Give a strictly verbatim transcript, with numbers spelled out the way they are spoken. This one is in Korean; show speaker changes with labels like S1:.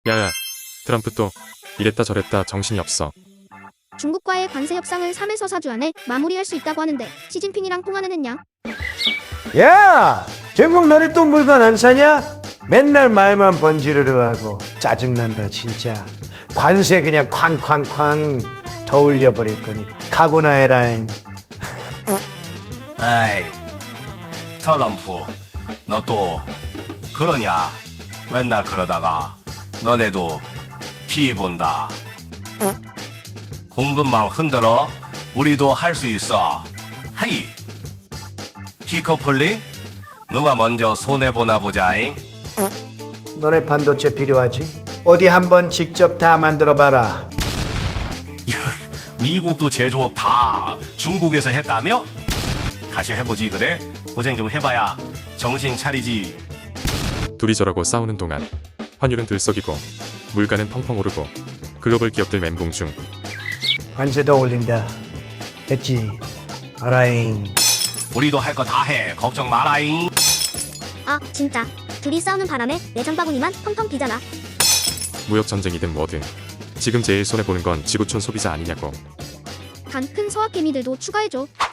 S1: 야야, 트럼프 또 이랬다 저랬다 정신이 없어.
S2: 중국과의 관세 협상을 삼에서 사 주 안에 마무리할 수 있다고 하는데 시진핑이랑 통화는 했냐?
S3: 야! 중국 너네 또 물건 안 사냐? 맨날 말만 번지르르 하고 짜증난다 진짜. 관세 그냥 쾅쾅쾅 더 올려버릴 거니 각오나 해라잉.
S4: 아이, 트럼프, 너 또 그러냐? 맨날 그러다가 너네도 피 본다. 공급망 흔들어. 우리도 할 수 있어. 하이. 피커플리? 누가 먼저 손해보나 보자잉.
S3: 너네 반도체 필요하지? 어디 한번 직접 다 만들어봐라.
S4: 미국도 제조업 다 중국에서 했다며? 다시 해보지 그래? 고생 좀 해봐야 정신 차리지.
S1: 둘이 저러고 싸우는 동안 환율은 들썩이고 물가는 펑펑 오르고 글로벌 기업들 멘붕 중.
S3: 관세 더 올린다. 됐지? 알아잉.
S4: 우리도 할 거 다 해. 걱정 마라잉.
S2: 아 진짜 둘이 싸우는 바람에 내 장바구니만 텅텅 비잖아.
S1: 무역 전쟁이든 뭐든 지금 제일 손해 보는 건 지구촌 소비자 아니냐고.
S2: 단 큰 서학 개미들도 추가해줘.